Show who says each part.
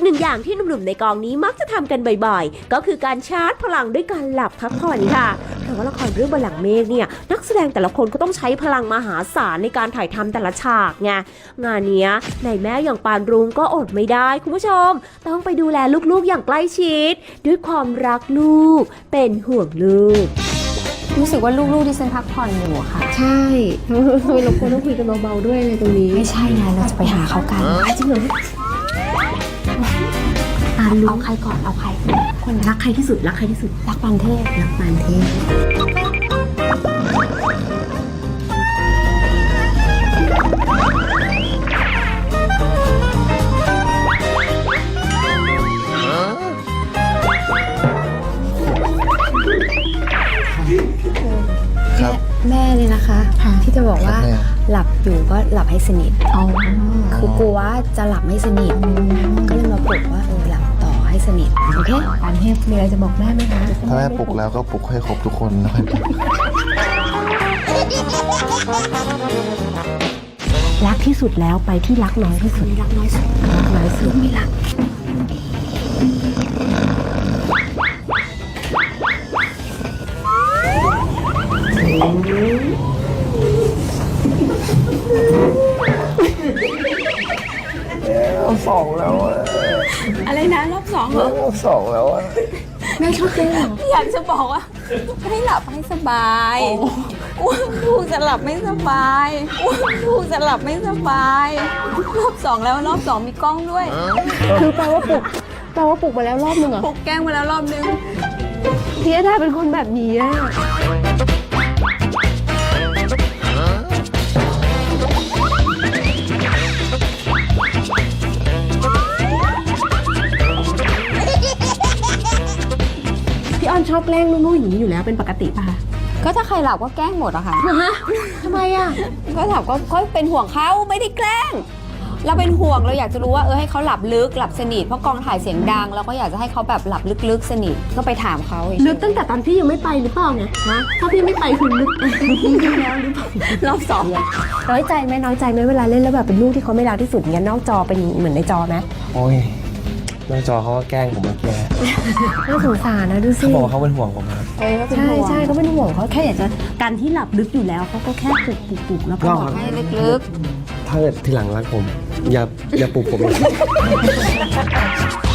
Speaker 1: หนึ่งอย่างที่หนุ่มๆในกองนี้มักจะทำกันบ่อยๆก็คือการชาร์จพลังด้วยการหลับพักผ่อนค่ะเพราะว่าละครเรื่องบัลลังก์เมฆเนี่ยนักแสดงแต่ละคนก็ต้องใช้พลังมหาศาลในการถ่ายทำแต่ละฉากไงงานเนี้ยนายแม่อย่างปานรุ้งก็อดไม่ได้คุณผู้ชมต้องไปดูแลลูกๆอย่างใกล้ชิดด้วยความรักลูกเป็นห่วงลูก
Speaker 2: รู้สึกว่าลูกๆที่ฉันพักผ่อนอยู่ค่ะ
Speaker 1: ใช่ทำไมเราควรต้องคุยกันเบาๆด้วยในตรงนี้
Speaker 2: ไม่ใช่ไงเราจะไปหาเขากัน
Speaker 1: จริงเหรอ
Speaker 2: เอาใครก่อนเอาใคร
Speaker 1: คนรักใครที่สุดรักใครที่สุด
Speaker 2: รักปานเทพ
Speaker 1: รักปานเทพ
Speaker 2: แม่เนี่ยนะคะที่จะบอกว่าหลับอยู่ก็หลับให้สนิทคือกลัวว่าจะหลับไม่สนิทก็เลยมาปลุกว่าหลับต่อให้สนิทโอเคปานเทพมีอะไรจะบอกแม่ไหมคะ
Speaker 3: ถ้าแม่ปลุกแล้วก็ปลุกให้ครบทุกคนแล้วกัน
Speaker 1: รักที่สุดแล้วไปที่รักน้อยที่สุดรักน้อยสุดรักน้อยสุดไม่รัก
Speaker 3: รอบสองแล้ว
Speaker 2: อะไรนะรอบสองเหรอ
Speaker 3: รอบสองแล้ว
Speaker 1: แม่ชอบเต้นเหรอ
Speaker 2: อยากจะบอกว่าให้หลับให้สบายลูกจะหลับไม่สบายลูกจะหลับไม่สบายรอบสองแล้วรอบสองมีกล้องด้วย
Speaker 1: คือแปลว่าปลุกมาแล้วรอบนึงเหรอ
Speaker 2: ปลุกแกล้งมาแล้วรอบนึง
Speaker 1: พี่ดาเป็นคนแบบนี้อะพี่ออนชอบแกล้งลูกๆอย่างนี้อยู่แล้วเป็นปกติป่ะ
Speaker 2: ก็ถ้าใครหลับก็แกล้งหมดอะค่ะ
Speaker 1: ทำไมอะ
Speaker 2: ก็หลับก็เป็นห่วงเขาไม่ได้แกล้งเราเป็นห่วงเราอยากจะรู้ว่าให้เขาหลับลึกหลับสนิทเพราะกองถ่ายเสียงดังเราก็อยากจะให้เขาแบบหลับลึกๆสนิทก็ไปถามเขา
Speaker 1: ลึกตั้งแต่ตอนพี่ยังไม่ไปหรือเปล่าไงนะถ้าพี่ไม่ไปคือลึกแล้วหรือเปล่าร
Speaker 2: อบสอง
Speaker 1: น้อยใจไหมเวลาเล่นแล้วแบบเป็นลูกที่เขาไม่รักที่สุดเงี้ยนอกจอเป็นเหมือนในจอไหม
Speaker 3: โอ้ยนอกจอเขาก็แกล้งผมเมื่อกี้
Speaker 1: น่าสงสารนะดูสิ
Speaker 3: เขาบอกเขาเป็นห่วงผมครับ
Speaker 1: ใช่เขาเป็นห่วงเขาแค่อยากจะการที่หลับลึกอยู่แล้วเขาก็แค่ปลุกแล้วก็บอก
Speaker 2: ให้ลึก
Speaker 3: ถ้าเกิดทีหลังรักผมอย่าปลุกผมเลย